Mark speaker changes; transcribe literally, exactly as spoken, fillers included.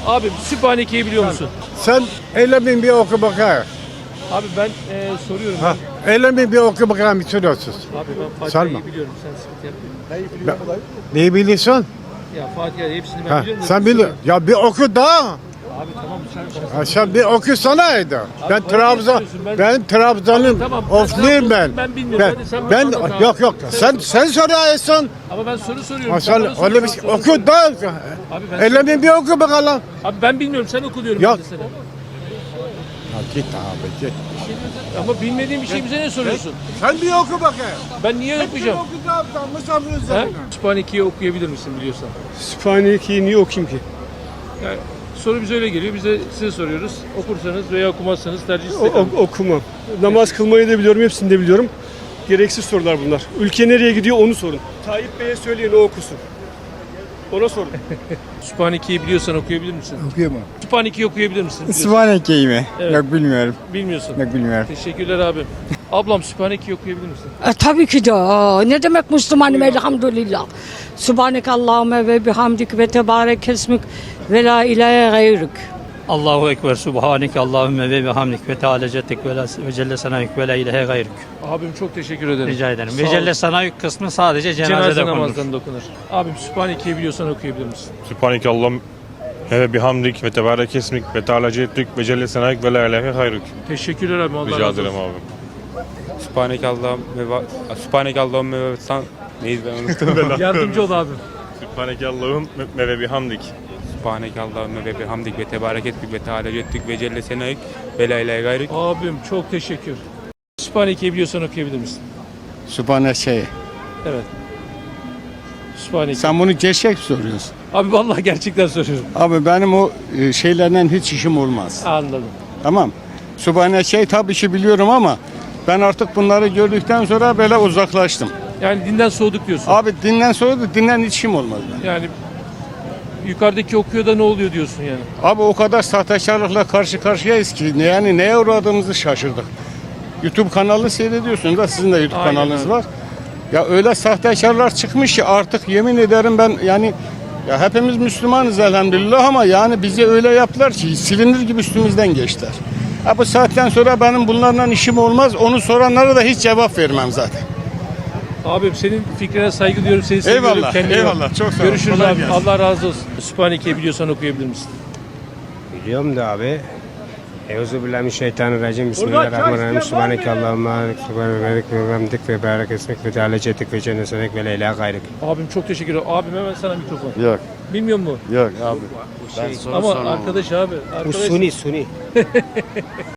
Speaker 1: Abi Sübhaneke'yi biliyor musun?
Speaker 2: Sen eylemin bir oku bakayım.
Speaker 1: Abi ben e, soruyorum.
Speaker 2: Ha, eylemin bir oku bakayım bitiriyorsun.
Speaker 1: Abi ben
Speaker 2: Sarma.
Speaker 1: Fatiha'yı biliyorum. Sen sıkıntı yapma.
Speaker 2: Neyi biliyorsun?
Speaker 1: Ya Fatiha hepsini ben
Speaker 2: Ha,
Speaker 1: biliyorum. da
Speaker 2: sen
Speaker 1: bir
Speaker 2: biliyor. Ya bir oku da.
Speaker 1: Abi tamam sen.
Speaker 2: Ha, sen bir okusanaydı. Ben
Speaker 1: bana
Speaker 2: Trabzon,
Speaker 1: niye soruyorsun? Ben-
Speaker 2: ben Trabzon'um.
Speaker 1: Tamam, ben
Speaker 2: Ofluyum ben.
Speaker 1: Trabzon'um, ben bilmiyorum.
Speaker 2: Ben,
Speaker 1: Hadi sen
Speaker 2: ben
Speaker 1: bana anlat
Speaker 2: yok
Speaker 1: abi.
Speaker 2: yok.
Speaker 1: Sen-
Speaker 2: Sen sen soruyorsun.
Speaker 1: Ama ben soru soruyorum.
Speaker 2: Ha,
Speaker 1: sen
Speaker 2: sen
Speaker 1: bana soru
Speaker 2: öyle bir
Speaker 1: sor,
Speaker 2: şey
Speaker 1: soru
Speaker 2: oku
Speaker 1: sor.
Speaker 2: da.
Speaker 1: Abi ben
Speaker 2: Eylemin bir oku bakalım.
Speaker 1: Abi ben bilmiyorum. Sen oku diyorum.
Speaker 2: Yok.
Speaker 1: ben de sana.
Speaker 2: Ha, git abi git.
Speaker 1: Ama bilmediğin bir şey bize ne soruyorsun?
Speaker 2: Sen bir oku bakayım.
Speaker 1: Ben niye okuyacağım?
Speaker 2: oku da. Misafir
Speaker 1: He?
Speaker 2: üzerine.
Speaker 1: Sübhaneke'yi okuyabilir misin biliyorsan?
Speaker 3: Sübhaneke'yi niye okuyayım ki?
Speaker 1: Yani soru bize öyle geliyor. Biz de size soruyoruz. Okursanız veya okumazsanız tercih
Speaker 3: O,
Speaker 1: size
Speaker 3: o-
Speaker 1: kalmış.
Speaker 3: okumam. Namaz kılmayı da biliyorum, hepsini de biliyorum. Gereksiz sorular bunlar. Ülke nereye gidiyor onu sorun. Tayyip Bey'e söyleyin o okusun. Ona sorun.
Speaker 1: Sübhaneke'yi biliyorsan okuyabilir misin?
Speaker 4: Okuyamam.
Speaker 1: Sübhaneke'yi okuyabilir misin? Biliyorsan.
Speaker 4: Sübhaneke'yi mi?
Speaker 1: Evet.
Speaker 4: Yok bilmiyorum.
Speaker 1: Bilmiyorsun.
Speaker 4: Yok bilmiyorum.
Speaker 1: Teşekkürler abim. Ablam Sübhaneke'yi okuyabilir misin?
Speaker 5: E, tabii ki de. Aa, ne demek Müslümanım elhamdülillah. Subhaneke Allahümme ve bihamdik ve tebarek esmik ve la ilahe gayrük.
Speaker 6: Allahu Ekber, Subhaneke Allahümme ve bihamdik ve Teala cettik ve, la, ve celle sanayük ve la ilahe gayrük.
Speaker 1: Abim çok teşekkür ederim.
Speaker 6: Rica ederim.
Speaker 1: Sağ
Speaker 6: Ve
Speaker 1: ol.
Speaker 6: celle sanayük kısmı sadece cenazede
Speaker 1: Cenaze
Speaker 6: okunur.
Speaker 1: namazlarında okunur. Abim Sübhaneke'yi biliyorsan okuyabilir misin?
Speaker 7: Sübhaneke Allah'ım ve bihamdik ve tebarek esmik ve teala ceddük ve celle senayik ve la ilahe hayruk.
Speaker 1: Teşekkürler abim. Allah
Speaker 7: Rica
Speaker 1: razı
Speaker 7: ederim
Speaker 1: olsun.
Speaker 7: abi.
Speaker 8: Sübhaneke Allah'ım ve va- Sübhaneke Allah'ım ve san neyiz ben unuttum.
Speaker 1: Yardımcı ol abim.
Speaker 7: Sübhaneke Allah'ım ve bihamdik.
Speaker 8: Sübhaneke Allah'ım ve bihamdik ve tebarek ettik ve teala ceddük ve celle senayik ve la ilahe gayrük.
Speaker 1: Abim çok teşekkür. Sübhaneke'yi biliyorsan okuyabilir misin?
Speaker 4: Sübhaneke'yi.
Speaker 1: Evet. Sübhaneke.
Speaker 4: Sen bunu gerçek soruyorsun.
Speaker 1: Abi vallahi gerçekten soruyorum.
Speaker 4: Abi benim o e, şeylerden hiç işim olmaz.
Speaker 1: Anladım.
Speaker 4: Tamam. Sübhaneke'yi tabii ki biliyorum ama ben artık bunları gördükten sonra böyle uzaklaştım.
Speaker 1: Yani dinden soğuduk diyorsun.
Speaker 4: Abi dinden sonra da dinden hiç işim olmaz. benim.
Speaker 1: Yani yukarıdaki okuyor da ne oluyor diyorsun yani.
Speaker 4: Abi o kadar sahtekarlıkla karşı karşıyayız ki yani neye uğradığımızı şaşırdık. YouTube kanalı seyrediyorsunuz da sizin de YouTube
Speaker 1: Aynen
Speaker 4: kanalınız
Speaker 1: öyle.
Speaker 4: var. Ya öyle sahtekarlar çıkmış ki artık yemin ederim ben yani ya hepimiz Müslümanız elhamdülillah ama yani bizi öyle yaptılar ki silinir gibi üstümüzden geçtiler. Ha bu saatten sonra benim bunlarla işim olmaz. Onu soranlara da hiç cevap vermem zaten.
Speaker 1: Abim senin fikrine saygı duyuyorum. Seni seviyorum.
Speaker 4: Eyvallah,
Speaker 1: Kendine iyi bak.
Speaker 4: eyvallah. Çok sağ ol.
Speaker 1: Görüşürüz
Speaker 4: Kolay
Speaker 1: abi.
Speaker 4: gelsin.
Speaker 1: Allah razı olsun. Sübhaneke'yi biliyorsan okuyabilir misin?
Speaker 9: Biliyorum da abi. Euzubillahimineşşeytanirracim. Bismillahirrahmanirrahim. Sübhaneke Allahümme ve bihamdik ve barik esmik ve teala cettik ve cennet senek ve la ilahe gayrık.
Speaker 1: Abim çok teşekkür ederim. Abim hemen sana mikrofon.
Speaker 2: Yok
Speaker 1: Bilmiyor musun?
Speaker 2: yok abi.
Speaker 1: Ama arkadaş abi.
Speaker 9: Bu
Speaker 1: Arkadaş.
Speaker 9: suni suni.